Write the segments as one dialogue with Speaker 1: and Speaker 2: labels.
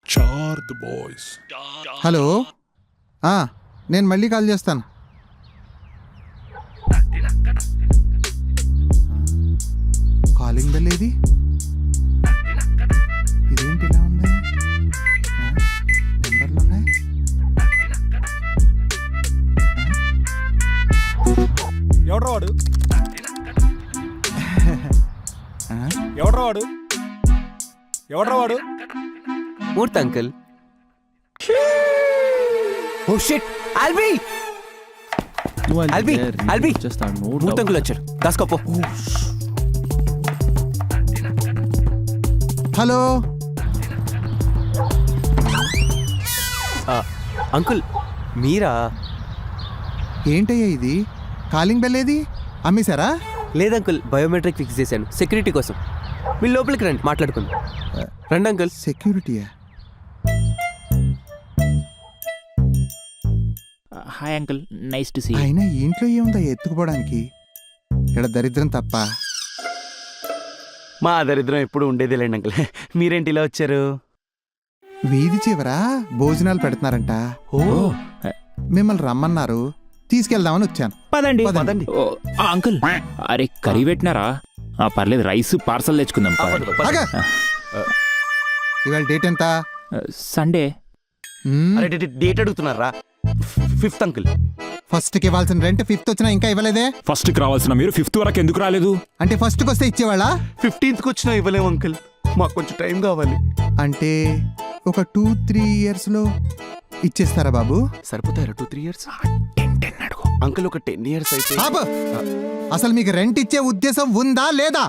Speaker 1: Hello, నేను మళ్ళీ call చేస్తాను. కాలింగ్ బెల్ ఏది? ఇదేంటి ఇలా ఉంది? నెంబర్లు ఉన్నాయి.
Speaker 2: ఎవడ్రా వాడు? ఎవడ్రా వాడు? ఎవడ్రా వాడు?
Speaker 3: మూర్తి అంకుల్. ఓ షిట్, ఆల్బీ ఆల్బీ ఆల్బీ మూర్తి అంకుల్ వచ్చాడు, దాసుకోపో.
Speaker 1: హలో
Speaker 3: అంకుల్ మీరా?
Speaker 1: ఏంటయ్యా ఇది? కాలింగ్ బెల్ ఏది? అమ్మేశారా?
Speaker 3: లేదంకుల్, బయోమెట్రిక్ ఫిక్స్ చేశాను సెక్యూరిటీ కోసం. మీరు లోపలికి రండి, మాట్లాడుకుందాం. రండి అంకుల్.
Speaker 1: సెక్యూరిటీయా?
Speaker 4: Hi uncle, nice to see.
Speaker 1: అయినా ఇంట్లో ఏముందా ఎత్తుకుపోవడానికి? ఇక్కడ దరిద్రం తప్ప.
Speaker 5: మా దరిద్రం ఎప్పుడు ఉండేదేలేండి అంకుల్. మీరేంటి ఇలా వచ్చారు?
Speaker 1: వీధి చివరా భోజనాలు పెడుతున్నారంట. మిమ్మల్ని రమ్మన్నారు, తీసుకెళ్దామని వచ్చాను.
Speaker 4: పదండి
Speaker 1: పదండి.
Speaker 4: అంకుల్, అరే కర్రీ పెట్టినారా? పర్లేదు, రైస్ పార్సల్ తెచ్చుకుందాం.
Speaker 1: ఆగా. ఇవాళ డేట్ ఎంత?
Speaker 4: సండే.
Speaker 5: అరే డేట్ అడుగుతున్నారా? 5th uncle.
Speaker 1: ఫస్ట్కి ఇవ్వాల్సిన రెంట్ 5th వచ్చినా ఇంకా ఇవ్వలేదే?
Speaker 6: ఫస్ట్ కి రావాల్సిన మీరు 5th వరకు ఎందుకు రాలేదు?
Speaker 1: అంటే ఫస్ట్కి వస్తే ఇచ్చేవాళ్ళ?
Speaker 5: 15th వచ్చినా ఇవ్వలేము అంకుల్, మాకు కొంచెం టైం కావాలి.
Speaker 1: అంటే ఒక 2-3 ఇయర్స్లో ఇచ్చేస్తారా బాబు?
Speaker 5: సరిపోతారా 2-3 ఇయర్స్? అంకుల్ ఒక 10 ఇయర్స్ అయితే.
Speaker 1: ఆపు. అసలు మీకు రెంట్ ఇచ్చే ఉద్దేశం ఉందా లేదా?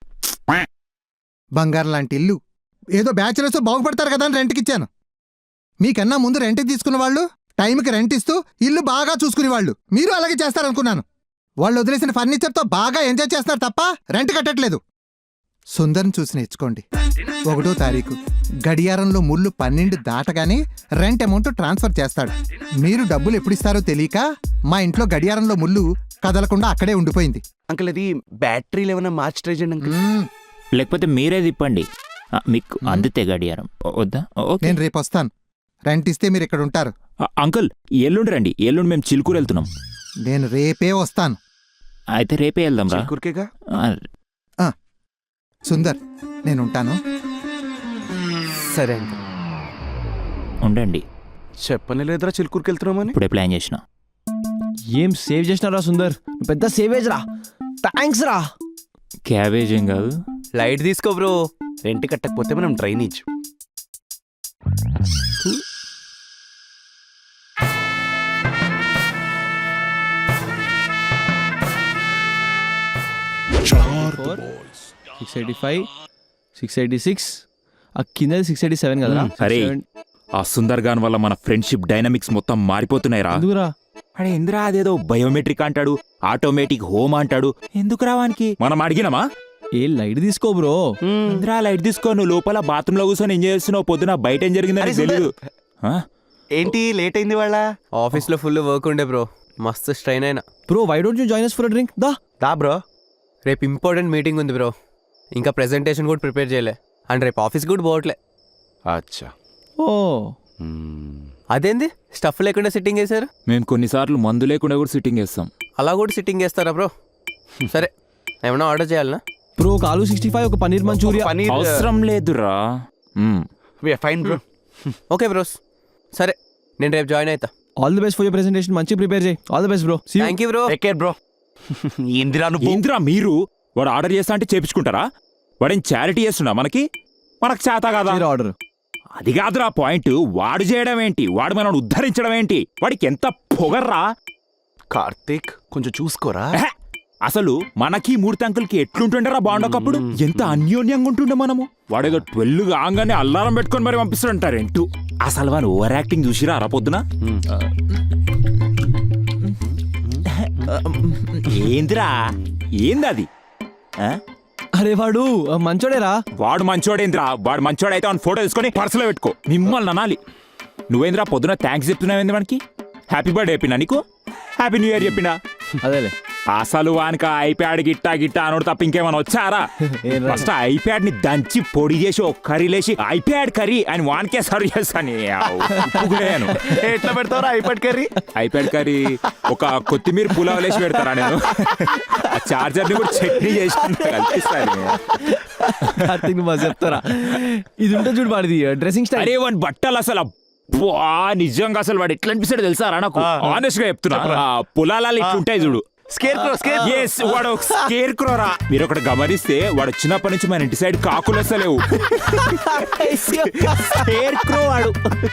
Speaker 1: బంగారం లాంటి ఇల్లు, ఏదో బ్యాచులర్స్ బాగుపడతారు కదా అని రెంట్కి ఇచ్చాను. మీకన్నా ముందు రెంట్కి తీసుకున్న వాళ్ళు టైంకి రెంట్ ఇస్తూ ఇల్లు బాగా చూసుకునేవాళ్ళు. మీరు అలాగే చేస్తారనుకున్నాను. వాళ్ళు వదిలేసిన ఫర్నిచర్తో బాగా ఎంజాయ్ చేస్తున్నారు తప్ప రెంట్ కట్టట్లేదు. సుందర్ని చూసి నేర్చుకోండి. 1వ తారీఖు గడియారంలో ముళ్ళు 12 దాటగానే రెంట్ అమౌంట్ ట్రాన్స్ఫర్ చేస్తాడు. మీరు డబ్బులు ఎప్పుడు ఇస్తారో తెలియక మా ఇంట్లో గడియారంలో ముళ్ళు కదలకుండా అక్కడే ఉండిపోయింది.
Speaker 5: అంకుల్ అది బ్యాటరీలు ఏమైనా మార్చి ట్రై చేయండి అంకుల్.
Speaker 4: లేకపోతే మీరే తిప్పండి, మీకు అందితే గడియారం. వద్దా? ఓకే,
Speaker 1: నేను రేపు వస్తాను. రెంట్ ఇస్తే మీరు ఇక్కడ ఉంటారు.
Speaker 4: అంకుల్ ఎల్లుండి రండి, ఎల్లుండి మేము చిలుకూరు వెళ్తున్నాం.
Speaker 1: నేను రేపే వస్తాను.
Speaker 4: అయితే రేపే వెళ్దాం రా.
Speaker 5: చిలుకూరుకేగా.
Speaker 1: సుందర్, నేను ఉంటాను.
Speaker 3: సరే అంకుల్.
Speaker 4: ఉండండి,
Speaker 5: చెప్పని లేదురా చిలుకూరుకి వెళ్తున్నామని.
Speaker 4: ఇప్పుడే ప్లాన్ చేసిన.
Speaker 2: ఏం సేవ్ చేసినారా సుందర్? పెద్ద సేవేజ్ రా. థ్యాంక్స్ రా.
Speaker 4: క్యాబేజ్ ఏం కాదు.
Speaker 3: లైట్ తీసుకో బ్రో.
Speaker 5: రెంట్ కట్టకపోతే మనం డ్రైనేజ్.
Speaker 2: $685, $686, ఆ కింద 687 కదా.
Speaker 6: అరే ఆ సుందర్ గాన్ వల్ల మన ఫ్రెండ్షిప్ డైనమిక్స్ మొత్తం మారిపోతున్నాయిరా.
Speaker 2: ఎందుకురా?
Speaker 6: అరే ఎందురా అదేదో బయోమెట్రిక్ అంటాడు, ఆటోమేటిక్ హోమ్ అంటాడు. ఎందుకు రావానికి మనం అడిగినామా?
Speaker 2: ఏ లైట్ తీసుకో బ్రో.
Speaker 6: ఇంద్రా లైట్ తీసుకో, నువ్వు లోపల బాత్రూమ్ లో కూర్చొని ఎంజాయ్ చేస్తున్నావు. పొద్దున బయట ఏం జరిగిందని తెలియదు.
Speaker 5: ఏంటి లేట్ అయింది వాళ్ళ?
Speaker 3: ఆఫీస్లో ఫుల్ వర్క్ ఉండే బ్రో, మస్తు స్ట్రైన్ అయినా.
Speaker 2: Bro why don't you join us for a drink?
Speaker 5: దా బ్రో.
Speaker 3: రేపు ఇంపార్టెంట్ మీటింగ్ ఉంది బ్రో, ఇంకా ప్రెజెంటేషన్ కూడా ప్రిపేర్ చేయలే. అండ్ రేపు ఆఫీస్ కూడా పోవట్లే.
Speaker 5: అచ్చా.
Speaker 2: ఓ
Speaker 3: అదేంది స్టఫ్ లేకుండా సిట్టింగ్ వేశారు?
Speaker 6: మేము కొన్నిసార్లు మందు లేకుండా కూడా సిట్టింగ్ వేస్తాం.
Speaker 3: అలా కూడా సిట్టింగ్ వేస్తారా బ్రో? సరే, ఏమన్నా ఆర్డర్ చేయాలనా
Speaker 2: బ్రో? ఒక ఆలు 65, ఒక పన్నీర్ మంచూరియా.
Speaker 5: పనీర్
Speaker 6: అవసరం లేదురా.
Speaker 5: Fine bro.
Speaker 3: ఓకే బ్రోస్, సరే నేను రేపు జాయిన్ అవుతా.
Speaker 2: All the best for your presentation. మంచి ప్రిపేర్ చేయి. All the best bro.
Speaker 3: Thank you bro.
Speaker 5: Take care bro.
Speaker 6: ఏందిరా మీరు? వాడు ఆర్డర్ చేస్తా అంటే చేపించుకుంటారా? వాడేం చారిటీ చేస్తున్నా మనకి? మనకు చేత కాదా
Speaker 2: ఆర్డర్?
Speaker 6: అది కాదురా పాయింట్. వాడు చేయడం ఏంటి? వాడు మనం ఉద్ధరించడం ఏంటి? వాడికి ఎంత పొగర్రా.
Speaker 5: కార్తీక్ కొంచెం చూసుకోరా.
Speaker 6: అసలు మనకి మూర్తి అంకుల్కి ఎట్లుంటుండరా బాగుండకప్పుడు? ఎంత అన్యోన్యంగా ఉంటుండే మనము. వాడేదో 12 కాగానే అల్లారం పెట్టుకొని మరి పంపిస్తాడంటారేంటూ. అసలు వాడు ఓవర్ యాక్టింగ్ చూసిరా అరా పొద్దున. ఏందిరా ఏందది?
Speaker 2: అరే వాడు మంచోడేరా.
Speaker 6: వాడు మంచోడేంద్రా? వాడు మంచోడైతే వాడిని ఫోటో తీసుకొని పర్సులో పెట్టుకో. మిమ్మల్ని అనాలి. నువ్వేంద్రా పొద్దున థ్యాంక్స్ చెప్తున్నావేంది మనకి? హ్యాపీ బర్త్డే చెప్పినా నీకు? హ్యాపీ న్యూ ఇయర్ చెప్పినా?
Speaker 2: అదేలే.
Speaker 6: అసలు వానికి ఐప్యాడ్ గిట్టా గిట్టా అనోడు తప్ప ఇంకేమైనా వచ్చారా ఫస్ట్ ఐప్యాడ్ ని దంచి పొడి చేసి ఒక కర్రీ లేసి ఐప్యాడ్ కర్రీ అని వానికే సర్వ్ చేస్తాను
Speaker 2: ఎట్లా పెడతారా ఐపాడ్ కర్రీ?
Speaker 6: ఐప్యాడ్ కర్రీ ఒక కొత్తిమీర పులావ్ లేసి పెడతారా నేను ఆ చార్జర్ ని కూడా చట్నీ చేసి కల్పిస్తాను
Speaker 2: కార్తీక్ మజా చెప్తారా? ఇది ఉంటే చూడు వాడిది డ్రెస్సింగ్ స్టైల్.
Speaker 6: అరే వాడి బట్టలు అసలు అబ్బా, నిజంగా అసలు వాడు ఎట్లా అనిపిస్తాడు తెలుసారా నాకు ఆనెస్ట్ గా చెప్తున్నా పొలాలు ఇట్లుంటాయి చూడు
Speaker 2: స్కేర్ క్రో
Speaker 6: Yes, వాడు స్కేర్ క్రోరా. మీరు ఒకటి గమనిస్తే వాడు వచ్చినప్పటి నుంచి మన ఇంటి సైడ్ కాకులు వస్తలేవు.
Speaker 3: స్కేర్ క్రో వాడు